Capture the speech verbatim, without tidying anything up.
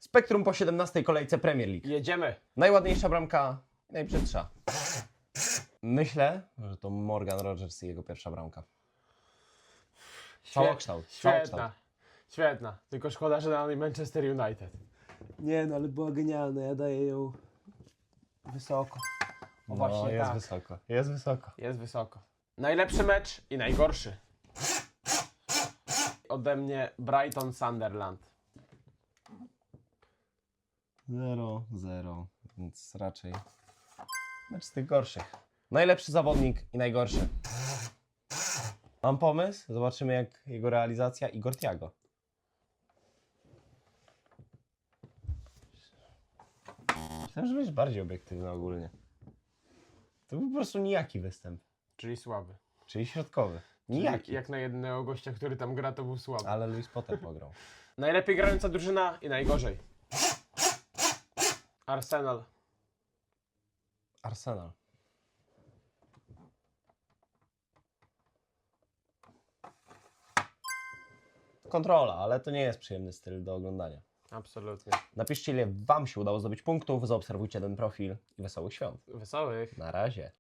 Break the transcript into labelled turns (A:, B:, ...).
A: Spektrum po siedemnastej kolejce Premier League.
B: Jedziemy.
A: Najładniejsza bramka, najbrzydsza. Myślę, że to Morgan Rogers i jego pierwsza bramka. Całokształt.
B: Świetna. Świetna. Tylko szkoda, że na niej Manchester United.
A: Nie no, ale była genialna, ja daję ją wysoko.
B: No
A: No
B: właśnie
A: jest
B: tak.
A: wysoko, jest wysoko.
B: Jest wysoko. Najlepszy mecz i najgorszy. Ode mnie Brighton Sunderland.
A: zero zero, więc raczej mecz z tych gorszych. Najlepszy zawodnik i najgorszy. Mam pomysł, zobaczymy jak jego realizacja. Igor Thiago. Myślałem, że będziesz bardziej obiektywny ogólnie. To był po prostu nijaki występ,
B: Czyli słaby.
A: czyli środkowy.
B: Czyli
A: Nijaki,
B: jak na jednego gościa, który tam gra, to był słaby.
A: ale Luis Potter pograł.
B: Najlepiej grająca drużyna i najgorzej. Arsenal.
A: Arsenal. Kontrola, ale to nie jest przyjemny styl do oglądania.
B: Absolutnie.
A: Napiszcie, ile Wam się udało zdobyć punktów, zaobserwujcie ten profil i wesołych świąt.
B: Wesołych.
A: Na razie.